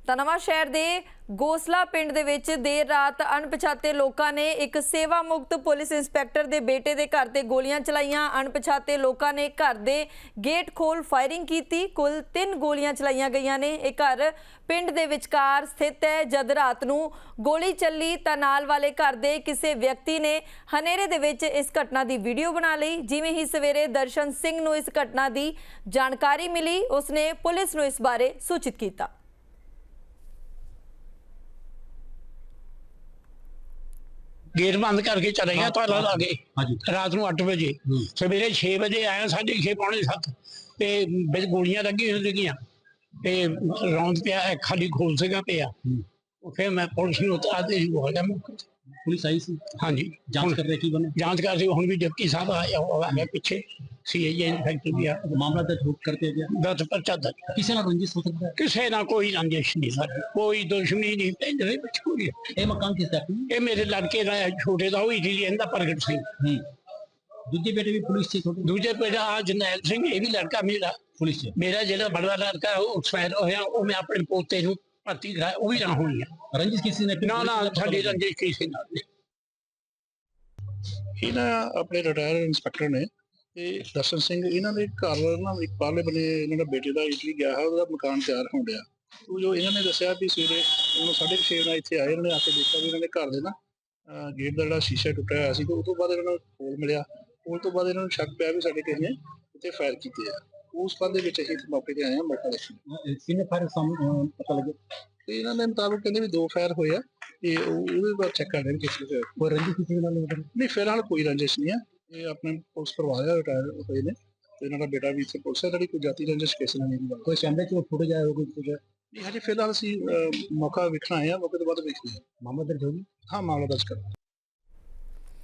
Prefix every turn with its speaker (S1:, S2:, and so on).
S1: ਤਾਂ ਨਵਾਂਸ਼ਹਿਰ ਦੇ ਗੋਸਲਾ ਪਿੰਡ ਦੇ ਵਿੱਚ ਦੇਰ ਰਾਤ ਅਣਪਛਾਤੇ ਲੋਕਾਂ ਨੇ ਇੱਕ ਸੇਵਾ ਮੁਕਤ ਪੁਲਿਸ ਇੰਸਪੈਕਟਰ ਦੇ ਬੇਟੇ ਦੇ ਘਰ ਤੇ ਗੋਲੀਆਂ ਚਲਾਈਆਂ। ਅਣਪਛਾਤੇ ਲੋਕਾਂ ਨੇ ਘਰ ਦੇ ਗੇਟ ਖੋਲ ਫਾਇਰਿੰਗ ਕੀਤੀ। ਕੁੱਲ 3 ਗੋਲੀਆਂ ਚਲਾਈਆਂ ਗਈਆਂ ਨੇ। ਇਹ ਘਰ ਪਿੰਡ ਦੇ ਵਿਚਕਾਰ ਸਥਿਤ ਹੈ। ਜਦ ਰਾਤ ਨੂੰ ਗੋਲੀ ਚੱਲੀ ਤਾਂ ਨਾਲ ਵਾਲੇ ਘਰ ਦੇ ਕਿਸੇ ਵਿਅਕਤੀ ਨੇ ਹਨੇਰੇ ਦੇ ਵਿੱਚ ਇਸ ਘਟਨਾ ਦੀ ਵੀਡੀਓ ਬਣਾ ਲਈ। ਜਿਵੇਂ ਹੀ ਸਵੇਰੇ ਦਰਸ਼ਨ ਸਿੰਘ ਨੂੰ ਇਸ ਘਟਨਾ ਦੀ ਜਾਣਕਾਰੀ ਮਿਲੀ, ਉਸਨੇ ਪੁਲਿਸ ਨੂੰ ਇਸ ਬਾਰੇ ਸੂਚਿਤ ਕੀਤਾ।
S2: गेट बंद करके चले गया ताला ला के रात को 8 बजे सवेरे 6 बजे आया 6:30 पौने 7 ते बिच गोलियां लगी सीगियां ते रौंद पिया खाली खोल सेगा पिया। फिर मैं पुलिस नूं आते ही हो गया।
S3: पुलिस आई सी?
S2: हाँ जी,
S3: जांच कर रहे की बने?
S2: जांच कर रही हुण भी डिप्टी साहब आया पीछे सीआईए इंस्पेक्टर भी आ।
S3: मामला दर्ज करते गया
S2: 10 पर्चा दर्ज।
S3: किसी ना रंजिश हो सकता है?
S2: किसी ना कोई रंजिश नहीं सर, कोई दुश्मनी नहीं पिंड दे विच कोई।
S3: ये मकान किसका है?
S2: ये मेरे लड़के दा छोटे दा होई थी इहदा प्रगट सिंह।
S3: दूजे बेटे भी पुलिस से?
S2: दूजे बेटा आ जरनैल सिंह, ये भी लड़का मेरा
S3: पुलिस से।
S2: मेरा जो बड़ा लड़का एक्सपायर होया वो मैं अपने पोते नूं भर्ती कराया, वो भी ना होई है।
S3: रंजिश किसी ने?
S2: ना ना साडी रंजिश किसी नाल नहीं।
S4: ਇਹਨਾਂ ਆਪਣੇ ਰਿਟਾਇਰ ਇੰਸਪੈਕਟਰ ਨੇ ਤੇ ਦਰਸ਼ਨ ਸਿੰਘ, ਇਹਨਾਂ ਦੇ ਘਰ ਨਾ ਇੱਕ ਪਾਲੇ ਬਨੇ ਇਹਨਾਂ ਦਾ ਬੇਟੇ ਦਾ ਇਟਲੀ ਗਿਆ ਹੈ, ਉਹਦਾ ਮਕਾਨ ਤਿਆਰ ਹੋਣ ਡਿਆ। ਉਹ ਜੋ ਇਹਨਾਂ ਨੇ ਦੱਸਿਆ ਵੀ ਸਵੇਰੇ ਉਹਨੂੰ 6:30 ਵਜੇ ਇੱਥੇ ਆਏ, ਇਹਨਾਂ ਨੇ ਆ ਕੇ ਦੇਖਿਆ ਵੀ ਇਹਨਾਂ ਦੇ ਘਰ ਦੇ ਨਾ ਗੇਟ ਦਾ ਜਿਹੜਾ ਸ਼ੀਸ਼ਾ ਟੁੱਟਿਆ ਹੋਇਆ ਸੀ। ਤੇ ਉਸ ਤੋਂ ਬਾਅਦ ਇਹਨਾਂ ਨੂੰ ਖੋਲ ਮਿਲਿਆ। ਖੋਲ ਤੋਂ ਬਾਅਦ ਇਹਨਾਂ ਨੂੰ ਸ਼ੱਕ ਪਿਆ ਵੀ ਸਾਡੇ ਕਿਸੇ ਨੇ ਉੱਥੇ ਫਾਇਰ ਕੀਤੇ ਆ। ਉਸ ਸੰਬੰਧ ਦੇ ਵਿੱਚ ਅਸੀਂ ਮੌਕੇ ਤੇ ਆਏ ਹਾਂ, ਮੌਕਾ ਦੇਖਣ।
S3: किन्ने फायर पता लगे?
S4: ਤੇ ਇਹਨਾਂ ਦੇ ਮੁਤਾਬਕ ਕਹਿੰਦੇ ਵੀ 2 ਫਾਇਰ ਹੋਏ ਆ ਤੇ ਉਹਦੇ ਬਾਅਦ ਚੈੱਕ ਕਰ ਰਹੇ ਨੇ ਕਿਸ ਨੂੰ ਹੋਇਆ।
S3: कोई रंजिश किसी के नाल
S4: ਨਹੀਂ ਫਿਲਹਾਲ ਕੋਈ ਰੰਜਿਸ਼ ਨਹੀਂ ਹੈ। ਇਹ ਆਪਣੇ ਪੁਲਿਸ ਕਰਵਾਇਆ ਰਿਟਾਇਰ ਹੋਏ ਨੇ ਤੇ ਇਹਨਾਂ ਦਾ ਬੇਟਾ ਵੀ ਇੱਥੇ ਪੁਲਿਸ ਹੈ। ਜਿਹੜੀ ਕੋਈ ਜਾਤੀ ਰੰਜਿਸ਼ ਕਿਸੇ ਨਾਲ ਨਹੀਂ।
S3: कोई कैमरे से फुटेज आया होगा कुछ?
S4: ਨਹੀਂ ਹਜੇ ਫਿਲਹਾਲ ਅਸੀਂ ਮੌਕਾ ਵੇਖਣ ਆਏ ਹਾਂ, ਮੌਕੇ ਤੋਂ ਬਾਅਦ ਵੇਖਦੇ ਹਾਂ।
S3: मामला दर्ज होगी?
S4: ਹਾਂ ਮਾਮਲਾ ਦਰਜ ਕਰ